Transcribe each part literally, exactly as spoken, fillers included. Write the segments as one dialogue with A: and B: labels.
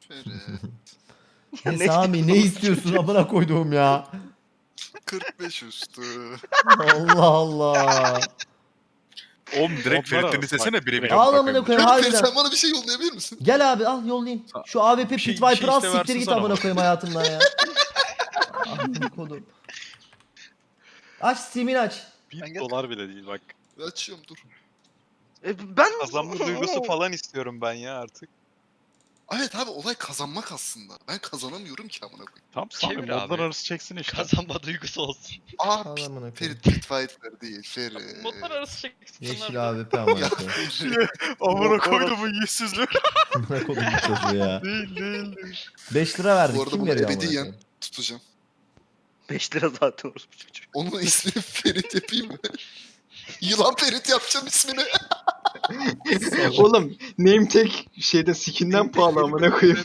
A: Ferit.
B: Ya
C: Ne
B: ne Sami ne istiyorsun amına koyduğum ya.
A: kırk beş üstü.
B: Allah Allah.
D: Oğlum direkt
E: Modlar
D: Ferit'ten
E: arası
D: istesene
E: bak,
D: birebir.
E: direkt.
B: Al
D: amına
B: amına
D: koyayım.
B: koyayım
A: Ferit, Ferit
B: harbiden.
A: sen bana bir şey yollayabilir misin?
B: Gel abi al yollayayım. Şu A W P
D: Bir şey-
B: Pit
D: bir
B: Viper
D: şey
B: al
D: iste
B: siktir
D: versin
B: git
D: sana
B: amına
D: bak.
B: koyayım hayatımdan ya. Amına kodum. Aç Steam'ini aç.
E: Bir dolar bile değil bak.
A: Açıyorum dur.
C: E, ben...
E: Kazanma duygusu falan istiyorum ben ya artık.
A: Evet abi olay kazanmak aslında. Ben kazanamıyorum ki amına koyayım.
E: Tam Sami
F: Çevir
E: modlar
F: abi.
E: arası çeksin işte.
F: Kazanma duygusu olsun.
A: Aa
B: Al amına koyayım.
A: Ferit Pitfighter değil Ferit.
F: Modlar arası çeksin.
B: Yeşil A W P amına
A: Ya
B: koyayım.
A: Ferit.
D: Amına koyduğumun yüzsüzlüğü.
B: Amına kodum bu çocuğu ya.
E: Değil değil değil.
B: beş lira verdik.
A: Bu arada
B: Kim
A: bunu
B: veriyor amına
A: ebediyen
B: koyayım?
A: tutacağım.
C: beş lira zaten orası bu çocuk.
A: Onun ismini Ferit yapayım mı? Yılan Ferit yapacağım ismini.
G: Oğlum name tag şeyde skinden pahalı amına koyayım.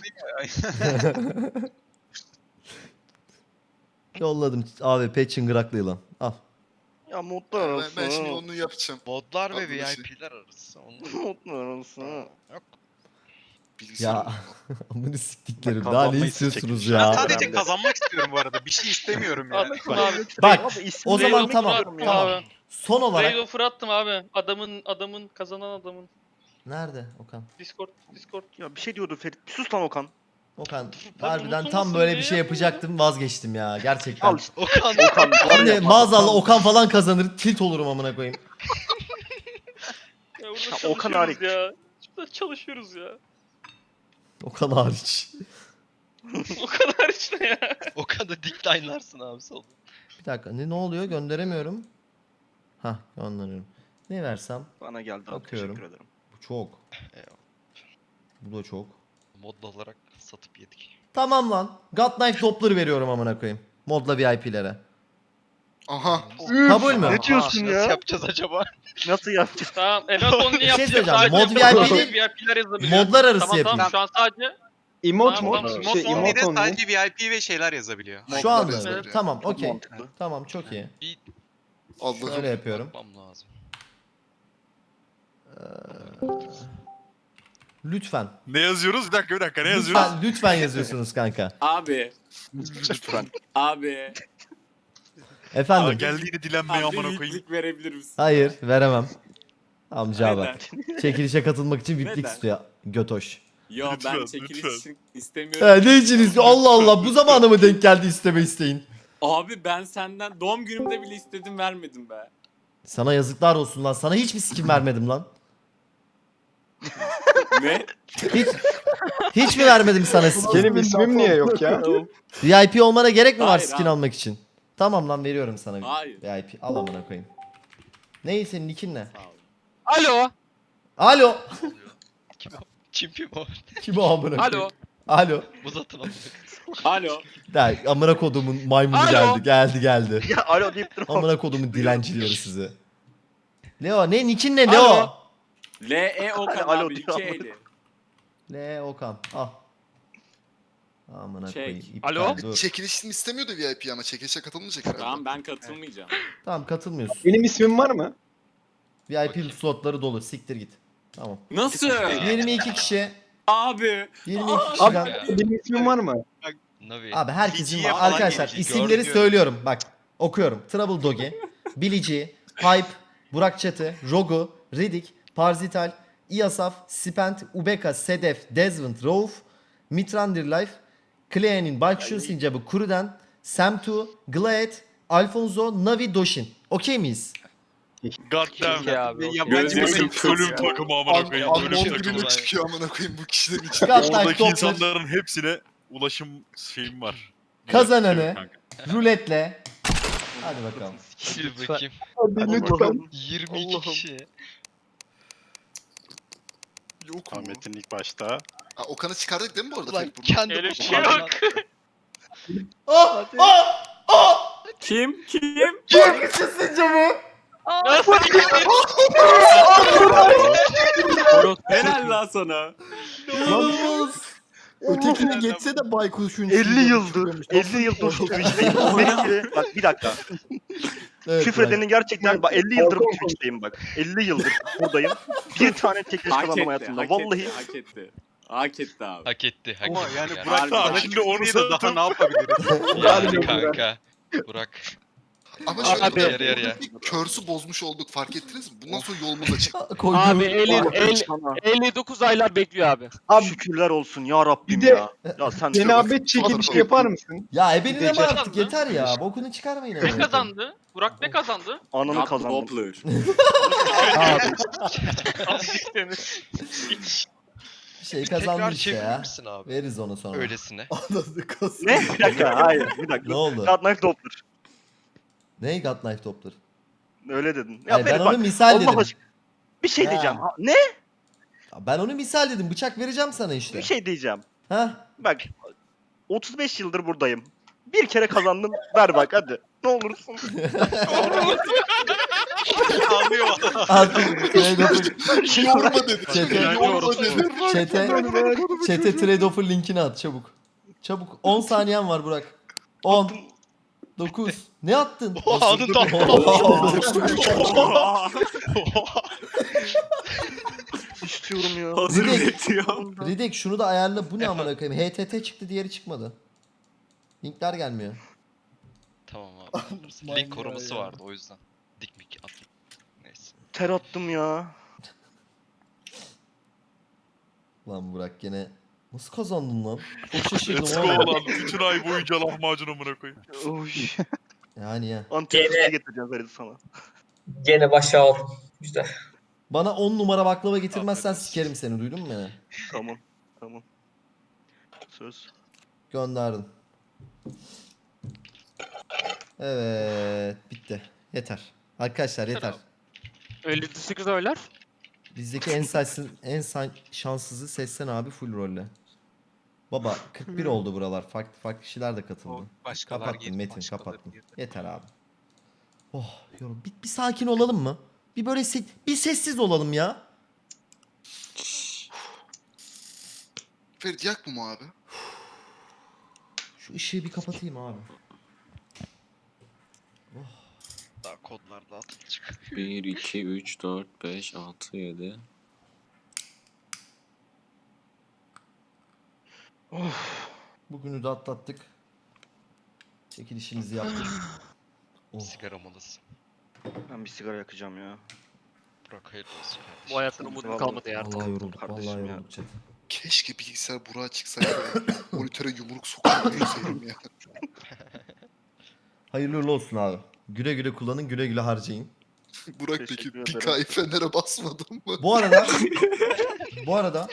B: Yolladım A W P çıngıraklı yılan. Al.
C: Ya modlar
A: Ben,
C: arası.
A: ben şimdi onu yapacağım.
F: Modlar
A: Adlı
F: ve
A: bir şey.
F: V I P'ler arası. Onu...
C: Modlar arası.
F: Yok.
A: Bilgisayar
B: Ya.
A: oyunu.
B: Amını siktiklerim.
E: Bak,
B: Daha ne
E: kazanmayı
B: istiyorsunuz
E: seçecek.
B: ya?
E: Ben
H: Sadece
E: Önemli.
H: kazanmak istiyorum bu arada. Bir şey istemiyorum ya.
I: Anlatın abi.
B: Bak
C: Abi, isim
B: o zaman
C: vermek
B: tamam.
C: istiyorum ya.
B: Tamam.
I: Abi.
B: Son olarak.
I: Raid offer attım abi. Adamın adamın kazanan adamın.
B: Nerede Okan?
I: Discord Discord.
C: Ya bir şey diyordu Ferit. Bir sus lan Okan.
B: Okan
I: Ben
B: harbiden tam
I: unutulmasın
B: böyle
I: diye
B: bir şey
I: yapıyorum.
B: yapacaktım vazgeçtim ya gerçekten.
C: Al işte.
F: Okan.
C: Okan.
B: Şimdi
C: yapma.
B: maazallah Okan falan kazanır tilt olurum amına koyayım.
I: Ya burada
C: Ya,
I: çalışıyoruz
C: Okan hariç.
I: ya. Burada çalışıyoruz ya.
B: Okan hariç.
I: Okan hariç ne ya?
F: Okan'da decline'larsın abi solda.
B: Bir dakika ne, ne oluyor gönderemiyorum. Hah gönderiyorum. Ne versem?
C: Bana geldi abi.
B: Bakıyorum.
C: Teşekkür ederim.
B: Bu çok.
F: Eyvallah.
B: Bu da çok.
F: Mod olarak satıp yedik.
B: Tamam lan. God Knife Doppler veriyorum amına koyayım. Modla V I P'lere.
A: Aha.
B: Kabul mü?
C: Ne diyorsun
F: Nasıl
C: ya?
F: yapacağız acaba?
C: Nasıl yapacağız?
I: Tamam en az onu yapacağız.
B: söyleyeceğim,
I: Sadece
B: mod
I: bu
B: V I P
I: sadece
B: değil,
I: V I P'ler yazabiliyor.
B: Modlar arası
I: Tamam
B: yapayım.
I: tamam şu an sadece
G: Emote
I: Tamam,
G: mu?
I: tamam.
G: Şey
H: Mod
G: emote
H: only'de
G: only.
H: sadece V I P ve şeyler yazabiliyor.
B: Şu
A: Modlar
B: anda.
A: yazıyor.
B: Tamam
C: Çok
B: okey.
C: mantıklı.
B: Tamam çok iyi.
A: Allah'ım.
B: Şöyle yapıyorum.
F: Bakmam lazım.
B: Lütfen.
D: Ne yazıyoruz? Bir dakika bir dakika ne yazıyoruz?
B: Lütfen, lütfen yazıyorsunuz kanka.
G: Abi.
C: Lütfen.
G: Abi.
D: Aa,
B: Efendim.
D: geldi yine dilenmeye
G: Abi
D: amına koyayım.
G: yüklük verebilir misin?
B: Hayır veremem. Amca bak.
G: Neden?
B: Çekilişe katılmak için V I P'lik
G: Neden?
B: istiyor. Götoş.
G: Yo
D: Lütfen,
G: ben çekiliş
D: lütfen.
G: için istemiyorum.
B: He, ne için istiyor? Allah Allah bu zamana mı denk geldi isteme isteğin?
G: Abi ben senden doğum günümde bile istedim vermedim be.
B: Sana yazıklar olsun lan. Sana hiçbir skin vermedim lan.
G: Ne?
B: Hiç hiç mi vermedim sana skin?
G: Benim ismim niye yok ya?
B: V I P olmana gerek mi var
G: Hayır
B: skin
G: abi.
B: almak için? Tamam lan veriyorum sana
G: Hayır.
B: V I P. Al amına koyayım. Ney senin nickin ne?
G: Sağ ol.
I: Alo.
B: Alo.
F: Kim o? Çimpi mi o?
B: Kim o amına koyayım?
I: Alo.
B: Alo.
F: Uzatın onu.
G: Alo.
B: Der, amına kodumun maymunu
I: Alo.
B: geldi. Geldi geldi.
C: Ya alo deyip durma.
B: Amına kodumun dilencileri sizi. Leo ne nickin ne
I: Alo.
B: Leo?
G: L E Okan
C: Alo
G: abi
C: diyor
G: iki
C: ama.
G: eli.
B: L Okan al. Amına
G: Çek.
B: koyayım. iptal,
I: Alo.
B: Dur.
A: Çekilişini istemiyordu V I P ama çekilişe katılmayacak herhalde.
G: Tamam ben katılmayacağım.
B: Tamam katılmıyorsun.
G: Benim ismim var mı?
B: V I P slotları dolu. Siktir git. Tamam.
G: Nasıl?
B: yirmi iki kişi.
G: Abi.
B: yirmi iki
G: Abi
B: kişiden.
G: benim ismim var mı?
F: Navi.
B: Abi herkesin
H: Bilgiye
B: var.
H: falan
B: Arkadaşlar
H: gelecek,
B: isimleri
H: gördüm.
B: söylüyorum. Bak okuyorum. Trouble Doggy, Billy G, Hype, Burak Çatı, Rogu, Riddick, Parzital, Iyasaf, Spent, Ubeka, Sedef, Desmond, Rauf, Mitrandir Life, Klean'in Baykuş'un Sincabı, Kuruden, Samtu, Glad, Alfonso, Navi, Doshin. Okey miyiz?
D: Goddamn.
H: Yabancı
G: Gözlerim
H: bir
G: kırpıyor.
D: Ölüm takımı amına koyayım.
A: An
D: Ölüm
A: gibi
D: takımı.
A: mi çıkıyor amına koyayım bu kişilerin içinde?
B: God Knife
D: Oradaki
B: Doppler
D: insanların hepsine ulaşım şeyim var.
B: Kazananı.
D: Kanka.
B: ruletle. Hadi bakalım.
F: Sil bakayım.
G: Hadi lütfen.
F: yirmi iki
C: Allah'ım.
F: kişi.
A: Yok mu?
E: Ahmet'in ilk başta.
A: Ha, Okan'ı çıkardık değil mi bu arada?
F: Ulan
A: Ferit buradan?
F: kendi
I: Öyle bir şey
F: başıma
I: yok.
B: Oh! Oh! Oh!
G: Kim? Kim?
B: Baykuş'un Sincabı.
G: Helal lan sana.
B: İnanılmaz.
G: Ötekine geçse de baykuşun.
C: elli yıldır. elli yıldır Twitch'teyim. Sürekli. Bak bir dakika.
B: Evet,
C: Küfredenin gerçekten bak elli yıldır Twitch'teyim bak. elli yıldır buradayım. Bir tane çekiliş
G: Hak
C: kazandım
G: etti,
C: hayatımda.
G: hak
C: Vallahi
G: etti, hak etti. Hak etti abi.
F: Hak etti. Hak
H: Ama
F: etti.
H: yani
F: ya.
H: Burak
G: Harbi.
H: sana
D: Şimdi
H: şimdi
D: onu
H: onu da daha
D: sattım.
H: ne yapabiliriz?
F: Yani kanka. Burak.
A: Ama şöyle
I: Abi.
A: bir
F: Yarı yarıya.
A: körsü bozmuş olduk fark ettiniz mi? Bundan sonra yolumuz açık.
B: Koyduğum-
I: Abi elli, elli,
C: Sana.
I: elli dokuz aylar bekliyor abi.
C: Abi şükürler olsun ya Rabbim
J: Bir de
C: ya. Ya sen
J: cenabet çekilişi yapar mısın?
B: Ya ebenin ama
C: Gidecek.
B: artık yeter ya. Bokunu çıkarmayın.
I: Ne
B: amına koyayım.
I: kazandı? Burak ne kazandı?
C: ananı
G: Not
C: kazandın.
G: Doppler.
C: Abi.
B: Bir şey kazandı
F: Tekrar
B: işte
F: çevirir
B: ya.
F: misin abi?
B: Veririz onu sonra.
F: Öylesine.
C: Ne? Bir dakika hayır bir dakika.
B: Ne oldu?
C: God Knife Doppler.
B: Ney God Knife Doppler?
C: Öyle dedin. Ya
B: Hayır, ben
C: Ferit
B: onu
C: bak,
B: misal
C: Allah
B: dedim.
C: aşkına. Bir şey
B: Ha.
C: diyeceğim. Ha, ne?
B: Ya Ben onu misal dedim. Bıçak vereceğim sana işte.
C: Bir şey diyeceğim.
B: Ha?
C: Bak otuz beş yıldır buradayım. Bir kere kazandım. Ver bak hadi. Ne olursun.
H: Ağlıyor adam.
B: Artık trade offer.
A: Yorma dedi.
B: Çete,
A: Yorma dedi.
B: çete, çete trade offer linkini at çabuk. Çabuk. on saniyen var Burak. on. dokuz. Ne attın?
F: O anında
C: İstiyorum ya.
G: Hazır
B: Ridek.
G: bekliyor.
B: Ridek şunu da ayarla. Bu ne amına koyayım? H T T çıktı, diğeri çıkmadı. Linkler gelmiyor.
F: Tamam abi. Link koruması vardı o yüzden. Dikmik attım. Neyse.
C: Ter attım ya.
B: Lan Burak gene nasıl kazandın lan? Çok şaşırdım
D: Let's go
B: oğlum.
D: lan. Bütün ay boyunca lahmacun amına koyayım.
C: Oy.
B: Yani ya.
C: Antep'e getireceğim Ferit sana.
J: Gene başa aldım. İşte.
B: Bana on numara baklava getirmezsen
F: Afiyet olsun.
B: sikerim seni, duydun mu beni?
C: Tamam. Tamam. Söz.
B: Gönderdim. Evet, bitti. Yeter. Arkadaşlar yeter.
I: elli sekiz oylar.
B: Bizdeki en sensin, en san- şanssızı Sessen abi full rolle. Baba kırk bir oldu buralar. Farklı farklı kişiler de katıldı.
H: O başkalar
B: Kapattım
H: girdi,
B: Metin,
H: başkaları
B: kapattım.
H: girdi.
B: Yeter abi. Oh yorum. Bir, bir sakin olalım mı? Bir böyle se- bir sessiz olalım ya.
A: Ferit yak mı abi?
B: Şu ışığı bir kapatayım abi.
F: Daha kodlar dağıtılacak.
G: bir, iki, üç, dört, beş, altı, yedi.
B: Bugünü de atlattık. Çekilişimizi yaptık. Oh.
F: Sigara molası.
C: Ben bir sigara yakacağım ya.
F: Burak hayırlı olsun kardeşim.
I: Bu hayatın umudu kalmadı ya artık.
B: Vallahi yorulduk,
C: Kardeşim
B: vallahi
C: ya.
B: yorulduk chat.
A: Keşke bilgisayar Burak'a çıksaydı. Monitöre yumruk sokup yüzeyim ya.
B: Hayırlı uğurlu olsun abi. Güle güle kullanın, güle güle harcayın.
A: Burak peki
C: Teşekkür ederim.
A: Pika'yı Fener'e basmadın mı?
B: Bu arada bu arada